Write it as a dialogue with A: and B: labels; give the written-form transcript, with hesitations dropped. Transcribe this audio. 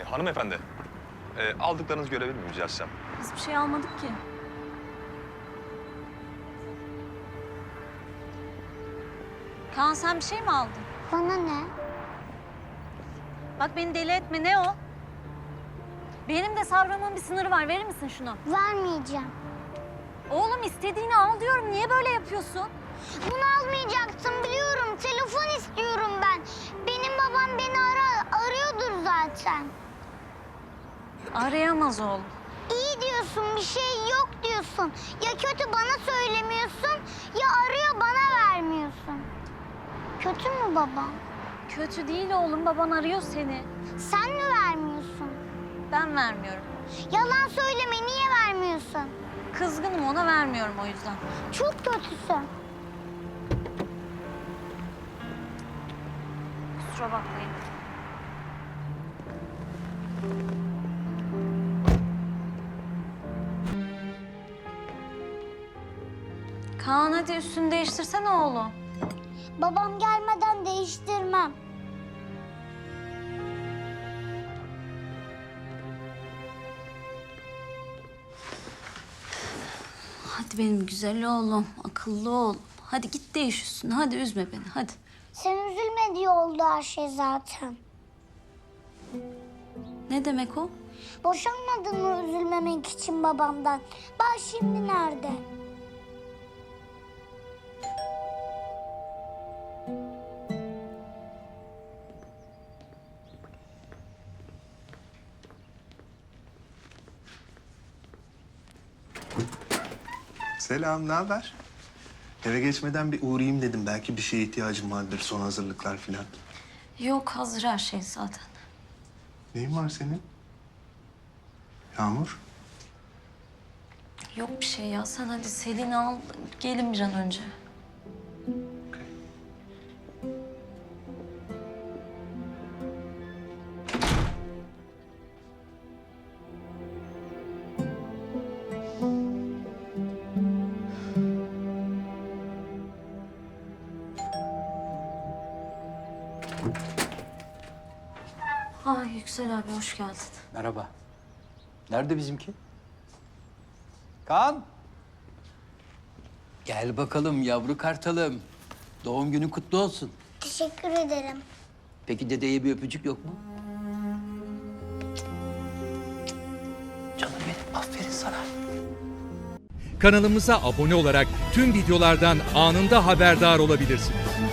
A: Hanımefendi, aldıklarınızı görebilir miyim rica etsem?
B: Biz bir şey almadık ki. Kaan sen bir şey mi aldın?
C: Bana ne?
B: Bak beni deli etme, ne o? Benim de sabrımın bir sınırı var, verir misin şunu?
C: Vermeyeceğim.
B: Oğlum istediğini al diyorum, niye böyle yapıyorsun?
C: Bunu almayacaksın biliyorum. Telefon istiyorum ben. Benim babam beni arıyordur zaten.
B: Arayamaz oğlum.
C: İyi diyorsun, bir şey yok diyorsun. Ya kötü bana söylemiyorsun ya arıyor bana vermiyorsun. Kötü mü babam?
B: Kötü değil oğlum, baban arıyor seni.
C: Sen mi vermiyorsun?
B: Ben vermiyorum.
C: Yalan söyleme, niye vermiyorsun?
B: Kızgınım, ona vermiyorum o yüzden.
C: Çok kötüsün.
B: Kusura bakmayın. Kaan hadi üstünü değiştirsene oğlum.
C: Babam gelmeden değiştirmem.
B: Hadi benim güzel oğlum, akıllı oğlum. Hadi git değiş üstünü, hadi üzme beni, hadi.
C: Sen üzülme diye oldu her şey zaten.
B: Ne demek o?
C: Boşanmadın mı üzülmemek için babamdan? Bak şimdi nerede?
D: Selam, ne haber? Eve geçmeden bir uğrayayım dedim. Belki bir şeye ihtiyacım vardır, son hazırlıklar falan.
B: Yok, hazır her şey zaten.
D: Neyin var senin? Yağmur?
B: Yok bir şey ya, sen hadi Selin'i al, gelin bir an önce. Ay Yüksel abi, hoş geldin.
E: Merhaba. Nerede bizimki? Kaan. Gel bakalım yavru kartalım. Doğum günün kutlu olsun.
C: Teşekkür ederim.
E: Peki dedeye bir öpücük yok mu? Canım benim, aferin sana.
F: Kanalımıza abone olarak tüm videolardan anında haberdar olabilirsiniz.